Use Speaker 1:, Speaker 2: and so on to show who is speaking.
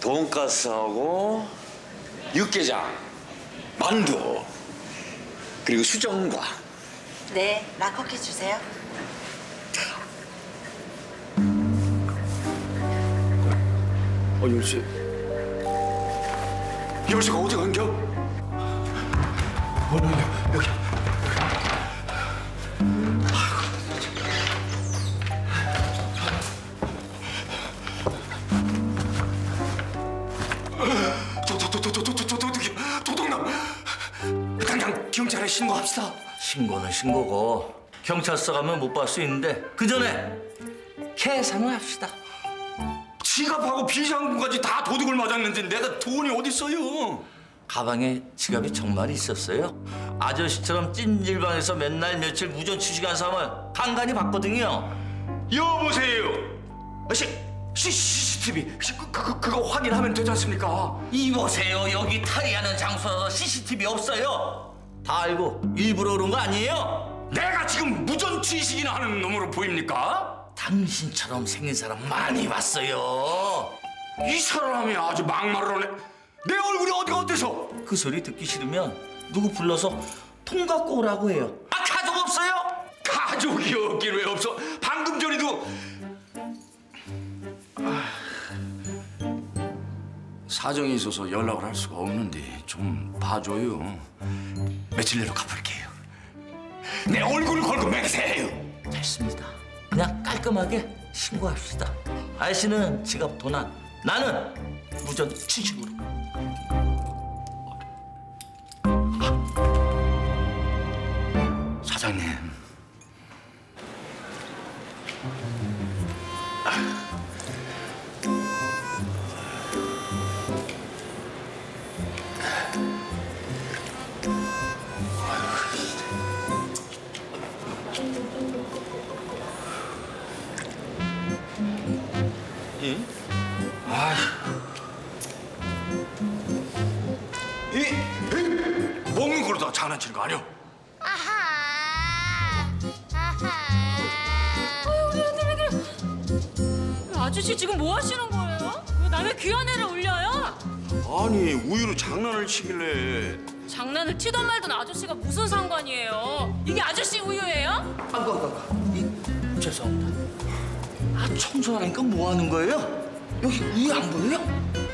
Speaker 1: 돈가스하고 육개장, 만두, 그리고 수정과.
Speaker 2: 네, 락커키 주세요.
Speaker 1: 열쇠. 열쇠가 어디 간겨? 여기. 도둑놈! 당장 경찰에 신고합시다.
Speaker 3: 신고는 신고고 경찰서 가면 못 볼 수 있는데 그 전에 계산을 합시다.
Speaker 1: 지갑하고 비상금까지 다 도둑을 맞았는데 내가 돈이 어딨어요?
Speaker 3: 가방에 지갑이 정말 있었어요. 아저씨처럼 찜질방에서 맨날 며칠 무전 취직한 사람을 간간히 봤거든요.
Speaker 1: 여보세요. CCTV 그거 확인하면 되지 않습니까?
Speaker 3: 이보세요. 여기 탈의하는 장소라서 CCTV 없어요. 다 알고 일부러 그런 거 아니에요?
Speaker 1: 내가 지금 무전 취식이나 하는 놈으로 보입니까?
Speaker 3: 당신처럼 생긴 사람 많이 봤어요.
Speaker 1: 이 사람이 아주 막말을 하네. 내 얼굴이 어디가 어때서?
Speaker 3: 그 소리 듣기 싫으면 누구 불러서 통 갖고 오라고 해요. 아, 가족 없어요?
Speaker 1: 가족이 없긴 왜 없어? 방금 전에도 사정이 있어서 연락을 할 수가 없는데 좀 봐줘요. 며칠 내로 갚을게요. 내 얼굴을 걸고 맹세해요.
Speaker 3: 됐습니다. 그냥 깔끔하게 신고합시다. 아저씨는 지갑 도난, 나는 무전 취직으로.
Speaker 1: 사장님. 먹는 걸로 다 장난치는 거 아니야?
Speaker 4: 우리 애들. 아저씨 지금 뭐 하시는 거예요? 왜 남의 귀한 애를 올려요?
Speaker 1: 아니 우유로 장난을 치길래.
Speaker 4: 장난을 치던 말던 아저씨가 무슨 상관이에요? 이게 아저씨 우유예요?
Speaker 3: 죄송합니다. 아, 청소하니까 뭐 하는 거예요? 여기 우유 안 보여요?